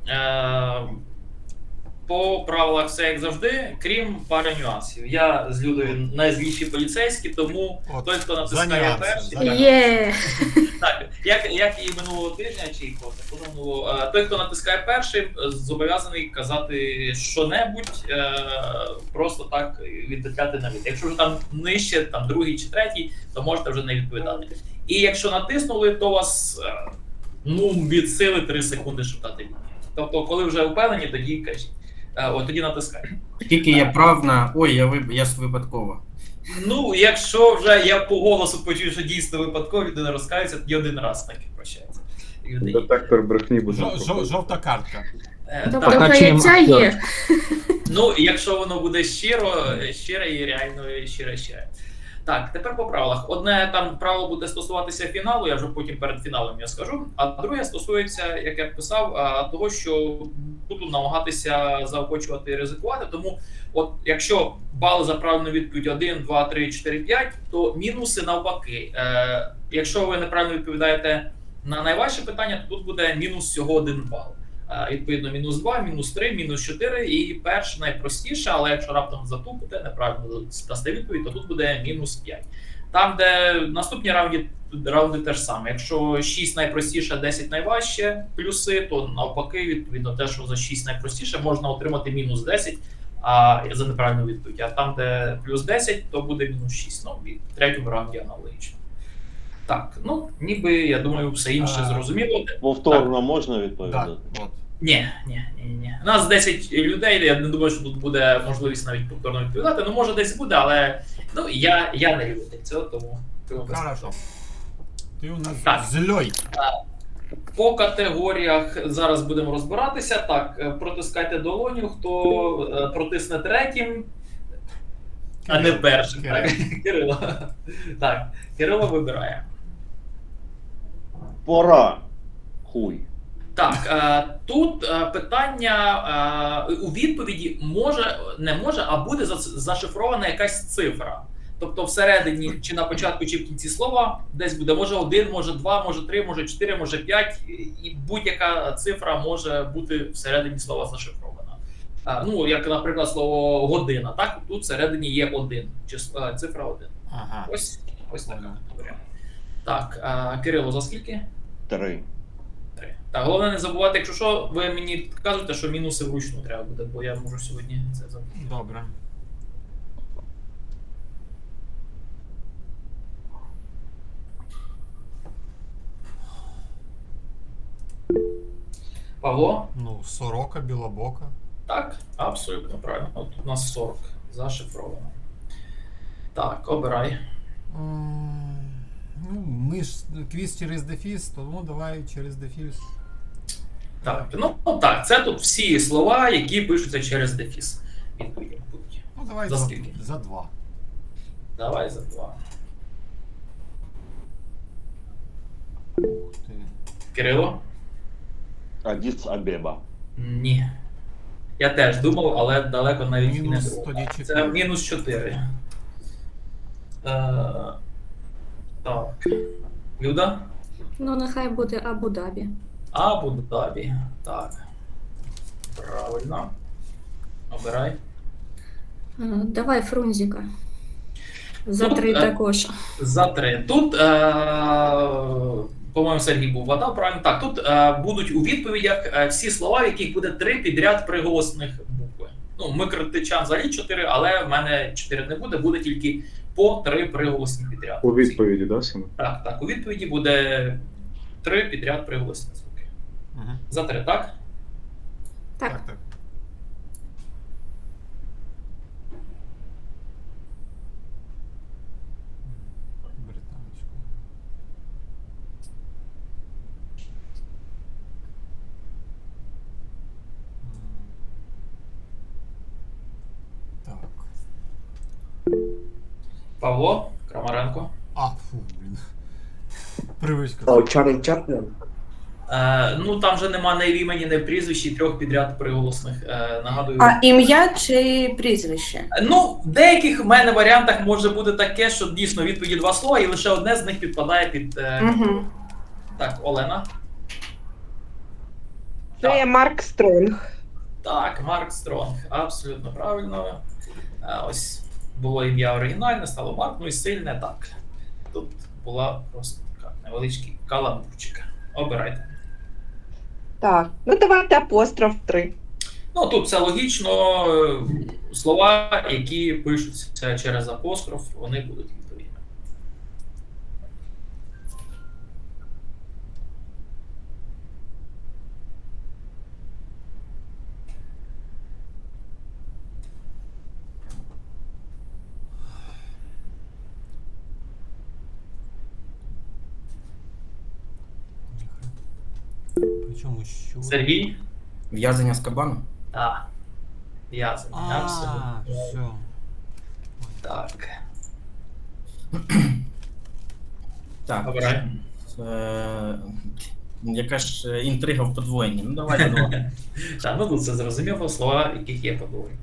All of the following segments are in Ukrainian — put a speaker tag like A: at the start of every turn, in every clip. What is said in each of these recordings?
A: По правилах все як завжди, крім пари нюансів. Я з Людою найзліші поліцейські, тому той, хто натискає перший...
B: Є!
A: Так, як і минулого тижня, чи і позаминулого, той, хто натискає перший, зобов'язаний казати що-небудь, просто так відповідати на від. Якщо вже там нижче, там другий чи третій, то можете вже не відповідати. І якщо натиснули, то у вас від сили 3 секунди, щоб дати відповідь. Тобто, коли вже впевнені, тоді кажіть. Тоді натискай.
C: Тільки я прав на... Ой, я ж випадково.
A: Ну, якщо вже я по голосу почую, що дійсно випадково, людина розкається, тоді один раз так і прощається.
D: Детектор брехні буде.
E: Жовта картка.
B: Тобто каяття є.
A: Ну, якщо воно буде щире і реально щире. Так, тепер по правилах. Одне там правило буде стосуватися фіналу, я вже потім перед фіналом я скажу. А друге стосується, як я писав, того, що буду намагатися заохочувати і ризикувати. Тому, от якщо бали за правильну відповідь 1, 2, 3, 4, 5, то мінуси навпаки. Якщо ви неправильно відповідаєте на найважче питання, то тут буде мінус всього 1 бал. Відповідно, мінус 2, мінус 3, мінус 4 і перше найпростіше, але якщо раптом затупите, неправильно дасте відповідь, то тут буде мінус 5. Там, де наступні раунди теж саме. Якщо 6 найпростіше, 10 найважче плюси, то навпаки, відповідно, те, що за 6 найпростіше, можна отримати мінус 10 за неправильну відповідь. А там, де плюс 10, то буде мінус 6. Ну, і в третьому раунді аналогічно. Так, ну, ніби, я думаю, все інше зрозуміло.
F: Повторно можна відповідати?
E: Так, от.
A: Ні. У нас 10 людей, я не думаю, що тут буде можливість навіть повторно відповідати. Ну, може, десь буде, але ну, я не люблю цього, тому...
E: Хорошо. Ти у нас
A: Так.
E: зльой.
A: По категоріях зараз будемо розбиратися. Так, протискайте долоню, хто протисне третім, а не першим. Так, Кирило. Так, Кирило вибирає.
F: Пора. Хуй.
A: Так, тут питання у відповіді не може, а буде зашифрована якась цифра. Тобто всередині, чи на початку, чи в кінці слова, десь буде може 1, може 2, може 3, може 4, може 5, і будь-яка цифра може бути всередині слова зашифрована. Ну, як, наприклад, слово година, так? Тут всередині є 1, цифра 1.
E: Ага.
A: Ось така категорія. Так, Кирило, за скільки?
F: 3.
A: 3. Так, головне не забувати, якщо що, ви мені кажете, що мінуси вручну треба буде, бо я можу сьогодні це забути.
E: Добре.
A: Павло?
E: Ну, сорока, білобока.
A: Так, абсолютно правильно. От у нас 40 зашифровано. Так, обирай.
E: Ну, ми ж квіз через дефіс, тому давай через дефіс.
A: Так, ну так, це тут всі слова, які пишуться через дефіс. Відповіді будуть.
E: Ну, давай
A: За скільки?
E: За 2.
A: Давай за 2.
E: Ух ти.
A: Кирило?
F: Адіс Абеба.
A: Ні. Я теж думав, але далеко навіть і не
E: Мінус
A: думав.
E: тоді 4.
A: Це мінус 4. Так. Люда?
B: Ну, нехай буде Абу-Дабі.
A: Абу-Дабі. Так. Правильно. Обирай.
B: Давай Фрунзіка. За
A: Тут,
B: 3 також.
A: За 3. Тут, по-моєму, Сергій був вгадав, правильно? Так, тут будуть у відповідях всі слова, в яких буде 3 підряд приголосних букви. Ну, ми критичан взагалі 4, але в мене 4 не буде, буде тільки по 3 приголосні підряд.
D: У відповіді, да, Сіма?
A: Так, у відповіді буде 3 підряд приголосні звуки.
E: Угу.
A: За 3, так?
B: Так.
E: Так. Британочку. Так.
A: Павло Крамаренко.
E: Фу, блін. Привичка.
G: Чарлі Чаплін.
A: Ну, там вже нема ні в імені, ні в прізвищі, 3 підряд приголосних. Нагадую.
H: А ім'я чи прізвище?
A: Ну, в деяких в мене варіантах може бути таке, що дійсно відповіді 2 слова, і лише одне з них підпадає під...
H: Угу.
A: Так, Олена.
G: Це Марк Стронг.
A: Так, Марк Стронг, абсолютно правильно. Ось було ім'я оригінальне, стало Марк, ну і сильне так. Тут була просто така невеличкий каламбурчик. Обирайте.
G: Так, ну давайте апостроф 3.
A: Ну, тут все логічно. Слова, які пишуться через апостроф, вони будуть відповідні.
E: Причому що?
A: Сергій?
C: В'язання з кабану?
A: Так. В'язаний, абсолютно.
E: Все.
A: Так.
C: Так.
A: Обирай.
C: Яка ж інтрига в подвоєнні? Ну давайте два.
A: Так, ну тут це зрозуміло, слова, яких є подвоєння.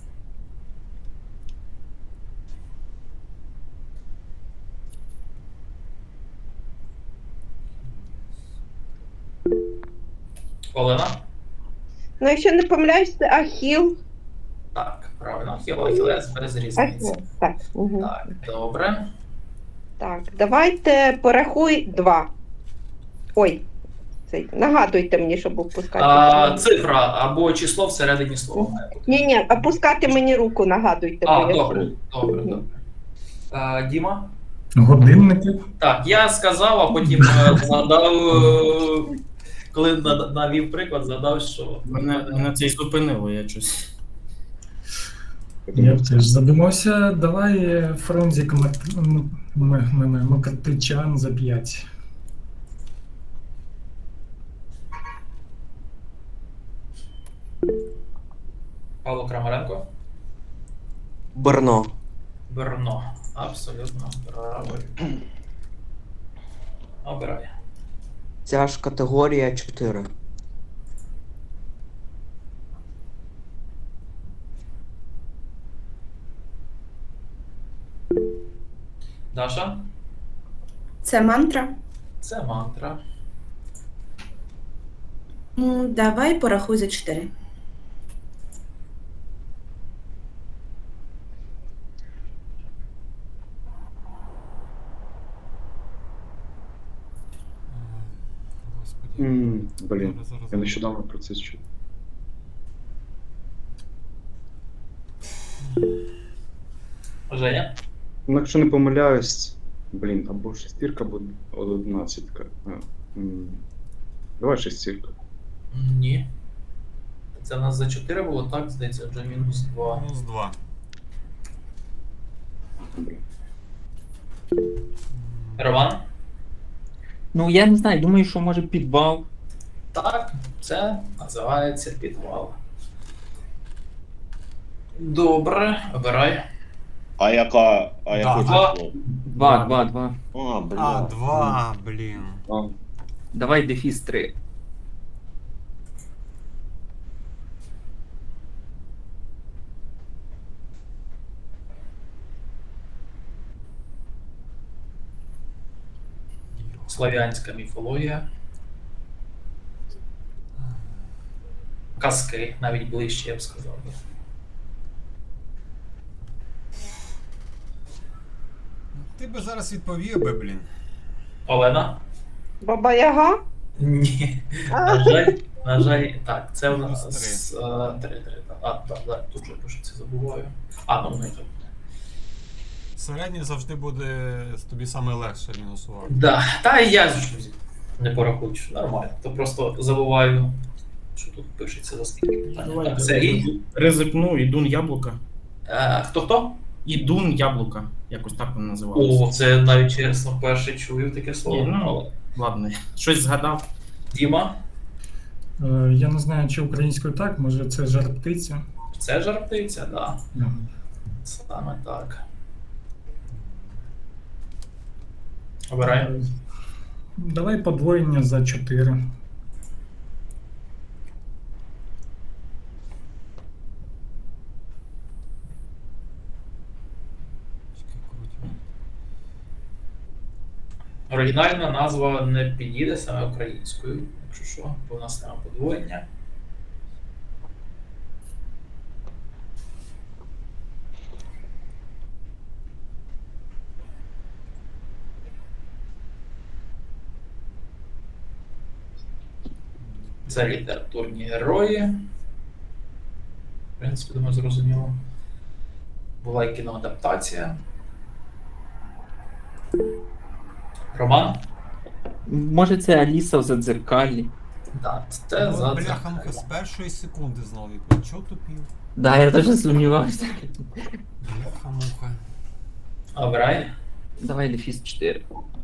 A: Олена?
G: Ну, якщо не помиляюсь, це Ахіл.
A: Так, правильно, Ахілес без різниці.
G: Ахіл. Так. Угу.
A: Так, добре.
G: Так, давайте порахуй 2. Ой, нагадуйте мені, щоб опускати.
A: Цифра або число всередині слова має бути.
G: Ні, опускати мені руку, нагадуйте. бо я
A: Добре,
G: забула.
A: добре, добре. Діма?
I: Годинники.
A: Так, я сказав, а потім згадав, коли навів приклад, згадав, що
C: Мене це і зупинило, я щось.
I: Я теж задумався. Давай Фрунзик Макартичан за 5.
A: Павло Крамаренко.
J: Брно.
A: Брно. Абсолютно правильно. Обирай.
J: Ця ж категорія 4.
A: Даша?
H: Це мантра.
A: Це мантра.
H: Давай порахуй за 4.
E: Господи.
D: Блін,
E: Зараз.
D: я нещодавно про це чув.
A: Женя?
D: Ну, якщо не помиляюсь, блін, або шестірка, або 11. Давай шестірка.
A: Ні. Це в нас за 4 було, так, здається, вже мінус 2.
E: Мінус 2.
D: Блін.
A: Роман?
K: Ну, я не знаю, думаю, що може підвал.
A: Так, це називається підвал. Добре, обирай.
F: А яке
A: Два.
F: число?
K: 2, 2, 2.
F: А, бля.
E: А, 2, блін.
D: А,
K: Давай дефіс 3.
A: Слов'янська міфологія. Казки, навіть ближче, я б сказав.
E: Ти би зараз відповів би, блін.
A: Олена?
G: Баба Яга?
A: Ні. На жаль, так, це в нас 3. Так, тут же пишеться, забуваю. Ну не так.
E: Середній завжди буде тобі саме легше мінусувати.
A: Да. Та і я ж не порахую, що нормально. То просто забуваю, що тут пишеться за скільки питань. Так, Сергій?
C: Ризикну, ідун яблука.
A: Хто-хто?
C: Ідун яблука. Якось так воно називалося.
A: О, це навіть чесно вперше чую таке слово.
C: Ні, ну.
A: Але...
C: Ладно, щось згадав.
A: Діма?
I: Я не знаю, чи українською так, може це жар птиця.
A: Це жар птиця, так. Да.
I: Да.
A: Саме так. Обирай.
I: Давай подвоєння за 4.
A: Оригінальна назва не підійде саме українською, якщо що, бо в нас немає подвоєння. Це літературні герої. В принципі, думаю, зрозуміло. Була і кіноадаптація. Роман?
K: Може це Аліса в Задзеркалі?
A: Так, це
E: Ну,
A: за
E: бляха-муха, з першої секунди знав відповідь. Чого тупів?
K: Да, я теж сумнівався.
E: Бляха-муха.
A: Обирай.
K: Давай Дефіс 4.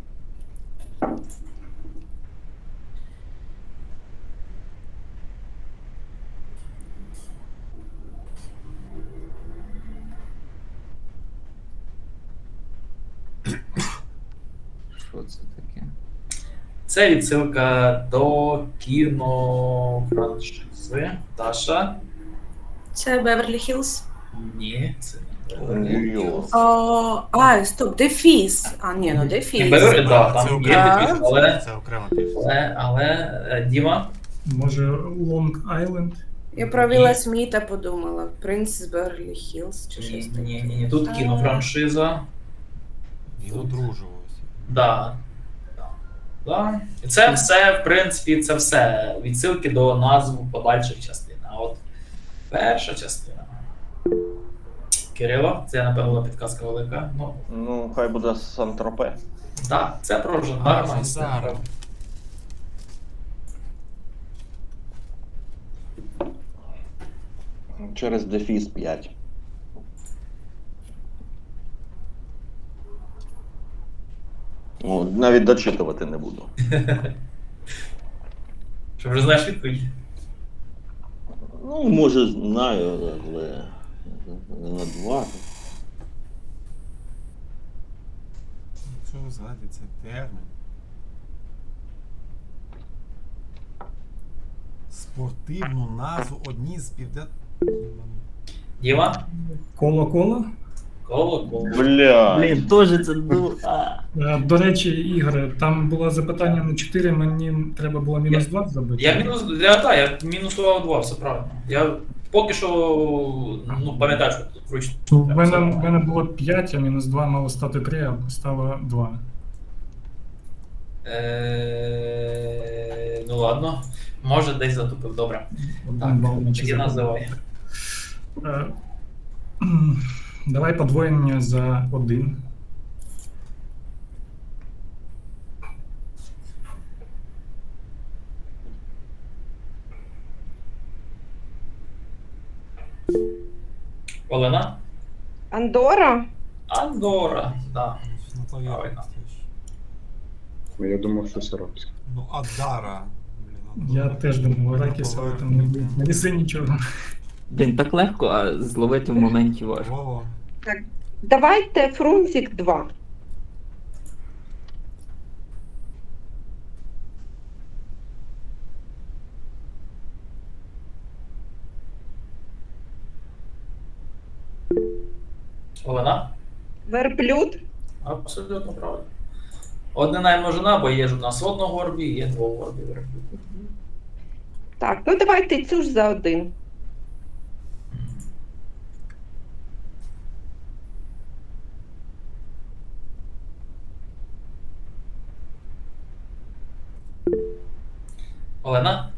K: Що це таке?
A: Це відсилка до кінофраншизи. Даша?
H: Це Беверлі Хілз.
A: Ні, це не
F: Нью-Йорк.
H: Стоп, Дефіс. Ні, ну Дефіс.
A: Беверлі, так,
E: Це
A: там є
E: окрема
A: підпис,
E: пісня,
A: але,
E: це окрема пісня.
A: Діма?
I: Може, Лонг Айленд?
H: Я про Вілла Сміта подумала. Принц з Беверлі Хілз чи щось таке.
A: Ні. Тут кінофраншиза.
E: І одружувався.
A: Да. Да. І це все, в принципі, це все відсилки до назв подальших частин. А от перша частина. Кирило, це, напевно, була підказка велика. Ну,
F: Ну, хай буде Сан-Тропе.
A: так, це про жандарма і
E: жандарма.
A: все.
F: Через Дефіс 5. О, навіть дочитувати не буду.
A: Що вже знаєш відповідь?
F: Ну, може, знаю, але на 2.
E: Що згадати, це термін. Спортивну назву одні з півден...
A: Діма?
I: Коло-коло?
A: Коло.
F: Бля.
K: Блін, теж це
I: До речі, Ігоре, там було запитання на 4, мені треба було мінус 2 забити.
A: Я мінусував 2, все правильно. Я поки що, пам'ятаю, що тут вручну.
I: В мене було 5, а мінус 2 мало стати 3, а стало 2.
A: Ну ладно, може десь затупив, добре.
I: Один бал
A: Так,
I: наче
A: тоді
I: забив.
A: називай.
I: Давай подвоєння за 1.
A: Олена?
G: Андора?
A: Андора, так.
E: Ну, то я
A: Правильно.
D: Я думав, щось арабське.
E: Ну, Адара. Блін,
I: Я теж думав, Аракіс, але там не неси нічого.
K: Блін, так легко, а зловити в моменті важко.
E: Вова.
G: Давайте Фрунзик 2.
A: Олена?
G: Верблюд?
A: Абсолютно правильно. Однина і множина, бо є ж у нас одногорбі, є двогорбі верблюд.
G: Так, ну давайте цю ж за 1.
A: Олена?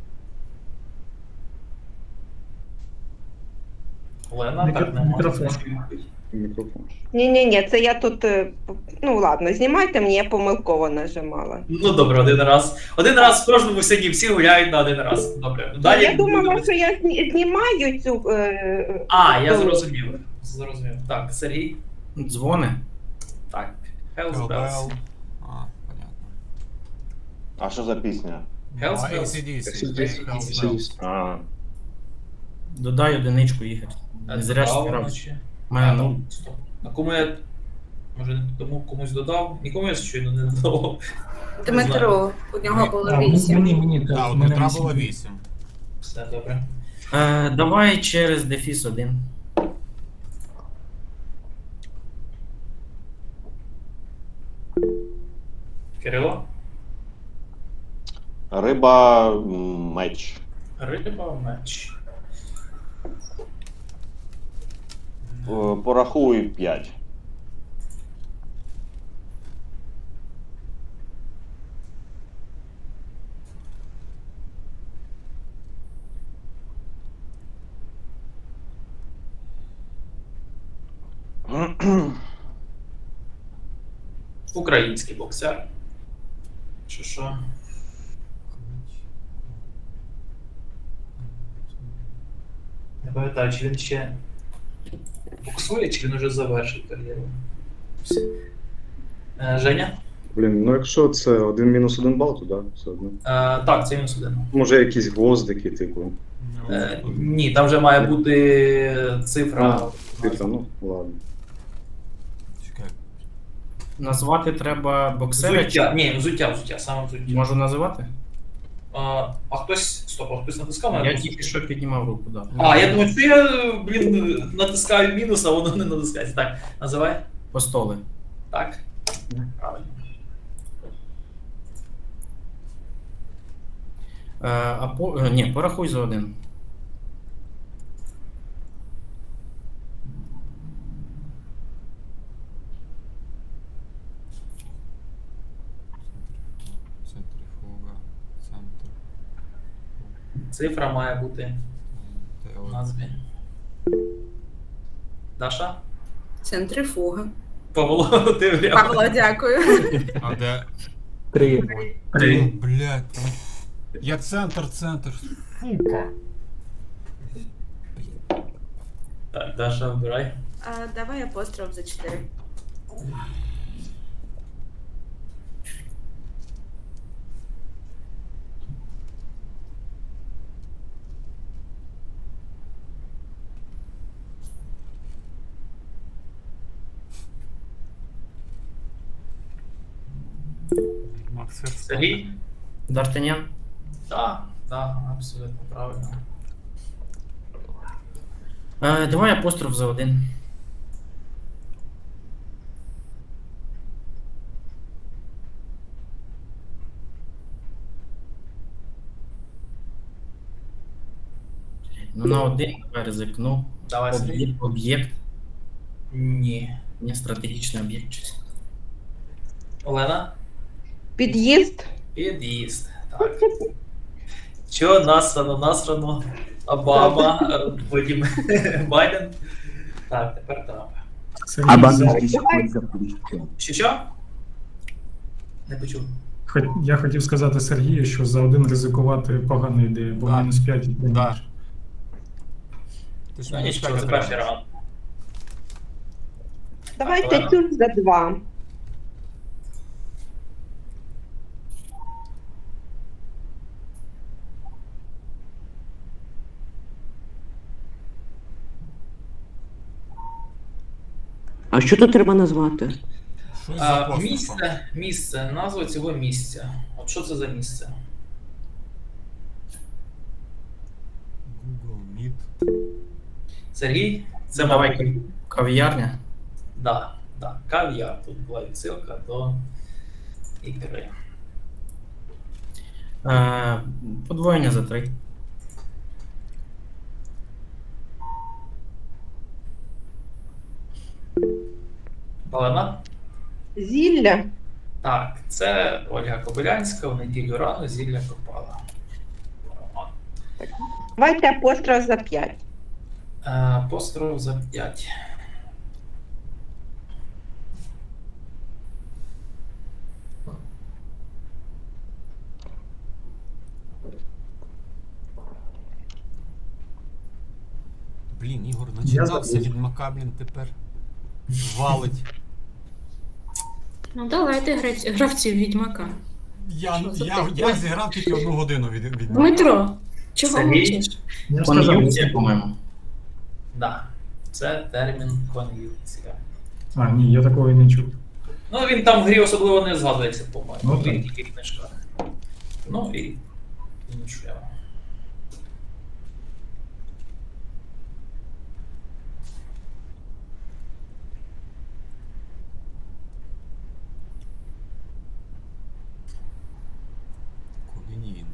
A: Олена, так не
I: Мікрофон.
D: Мікрофон.
G: Ні, це я тут. Ну ладно, знімайте мені, я помилково нажимала.
A: Ну добре, один раз. Один раз в кожному сині, всі гуляють на один раз. Добре. Далі
G: Я думала,
A: будемо-
G: що я знімаю цю.
A: Я
G: ту-
A: зрозумів. Зрозумів. Так, Сергій.
C: Дзвони.
A: Так. Hells Bells.
E: Hellbell. Понятно.
F: А що за пісня?
A: Hells
E: А,
A: Bells.
E: AC/DC.
A: AC/DC.
E: Hells Bells.
F: А,
C: Додай одиничку, Ігор. Не зря ж
A: Право
C: грав.
A: ночі.
C: У мене ну,
A: Стоп. А кому я. Може, тому комусь додав? Нікому я щойно не додав.
H: Дмитро, у нього було
I: А,
H: 8.
I: мені, так.
E: Так, у
I: мене
E: Дмитра
I: 8.
E: було 8.
A: Все добре.
C: Давай через Дефіс 1.
A: Кирило?
F: риба, меч.
A: Риба, меч.
F: Порахуй 5.
A: Український боксер. Чи що? Не пам'ятаю, чи він ще боксує, чи він вже завершив кар'єру. Женя?
D: Блін, ну якщо це 1-1 бал, то да, все одно.
A: Так, це мінус 1.
D: Може якісь гвоздики, типу.
A: Ні, там вже має бути цифра.
D: Цифра, ну, ладно.
E: Чекай.
C: Назвати треба боксера.
A: Взуття. Ні, взуття, саме взуття.
C: Можу називати?
A: А хтось. Стоп, а хтось натискав мене?
C: Я тільки що піднімав руку, да.
A: Я думаю, що я, натискаю мінус, а воно не натискається. Так, називай.
C: Постоли.
A: Так. Правильно.
C: Ні, порахуй за один.
E: Центрифуга, центр.
A: Цифра має бути в назві. Даша?
H: Центрифуга.
A: Павло, ти вряд.
H: Павло, дякую.
E: А де?
K: 3.
E: Ну, блядь. Я центр. Сука.
A: Так, Даша, обирай.
H: Давай апостроф за 4.
E: Макс
A: Сергій?
C: Д'Артаньян?
A: Так, абсолютно правильно.
C: Давай апостроф за один. Ну, на один давай ризикну.
A: Давай, Сергій.
C: Об'єкт.
A: Ні.
C: Не стратегічний об'єкт. щось.
A: Олена?
G: Під'їзд.
A: Під'їзд. Так. Чо насрано, Обама, потім Байден. Так, тепер Трамп.
I: Сергій,
A: Що? Не почув.
I: я хотів сказати Сергію, що за один ризикувати погана ідея, бо
E: Да.
I: мінус 5 і
E: Да. Ти ж
A: Ну
E: мені
A: нічого, це перший раунд.
G: Давайте тюль за 2.
J: А що тут треба назвати?
E: Щось за апострофом.
A: Місце, назва цього місця. От що це за місце?
E: Google Meet.
A: Сергій? Це
C: Давай кав'ярня.
A: Да. Кав'яр. Тут була відсилка до ікри.
C: Подвоєння за 3.
A: Олена?
G: Зілля.
A: Так, це Ольга Кобилянська, в неділю рано зілля копала.
G: Давайте апостроф за 5.
A: Апостроф за 5.
E: Блін, Ігор начитався від Макаблін тепер. Валить.
B: Ну давайте гравців Відьмака.
E: Я зіграв тільки 1 годину від
B: Дмитро, чого
A: Сергій?
B: мовчиш?
I: Я сказав,
C: Кон'юнкція, по-моєму.
A: Да. Це термін кон'юнкція.
I: ні, я такого і не чув.
A: Ну, він там в грі особливо не згадується, по-моєму.
I: Ну,
A: Він
I: так.
A: тільки в книжках. Ну і нічого.
E: Колінійна.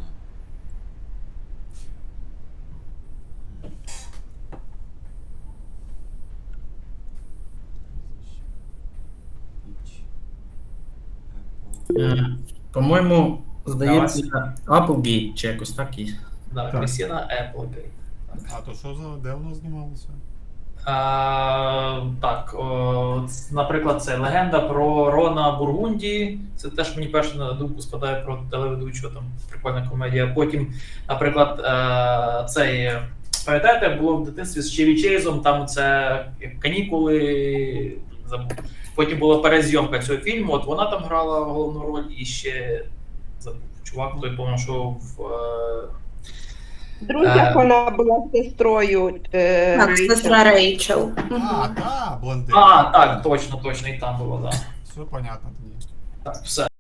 C: По-моєму, здається, Applegate чи якось так і.
A: Да,
I: Так.
A: Крістіна Еплгейт.
E: А то що за де воно знімалося?
A: Так, наприклад, це легенда про Рона Бургунді. Це теж мені перше на думку спадає про телеведучого, там прикольна комедія. Потім, наприклад, цей, пам'ятаєте, було в дитинстві з Чеві Чейзом, там це канікули, забув. Потім була перезйомка цього фільму, от вона там грала головну роль і ще забув. Чувак, той, по-моєму, що в
G: В друзях вона була сестрою.
H: Так,
G: Рейчел.
H: сестра Рейчел.
E: А, та, блондин.
A: так, точно, і там було, так.
E: Все понятно тоді.
A: Так, все.